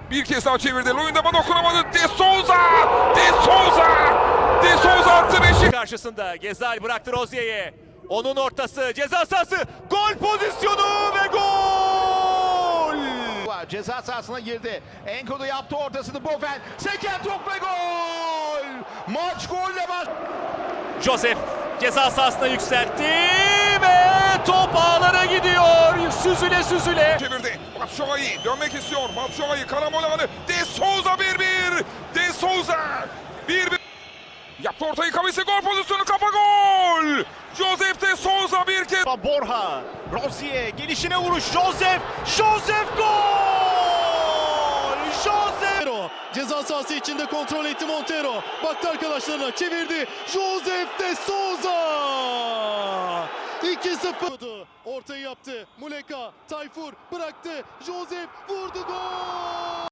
Bir kez daha çevirdi. Luyendam'a dokunamadı. De Souza! De Souza! De Souza attı beşi. Karşısında Gezal bıraktı Rozier'e. Onun ortası, ceza sahası, gol pozisyonu ve gol! Ceza sahasına girdi. Enkodu yaptı ortasını Bofen. Seken top ve gol! Maç golle baş. Joseph ceza sahasına yükseltti ve top ağlara gidiyor. Süzüle süzüle. Çevirdi. Batshuayi dönmek istiyor. Batshuayi karamol alanı. De Souza 1-1. De Souza 1-1. Yaptı ortayı Kavis'e gol pozisyonu kafa gol. Joseph De Souza bir kez. Borja, Rozier gelişine vuruş, Joseph gol! Joseph! Ceza sahası içinde kontrol etti Montero. Baktı arkadaşlarına, çevirdi. Joseph De Souza! 2-0. Ortayı yaptı. Muleka, Tayfur bıraktı. Joseph vurdu, gol!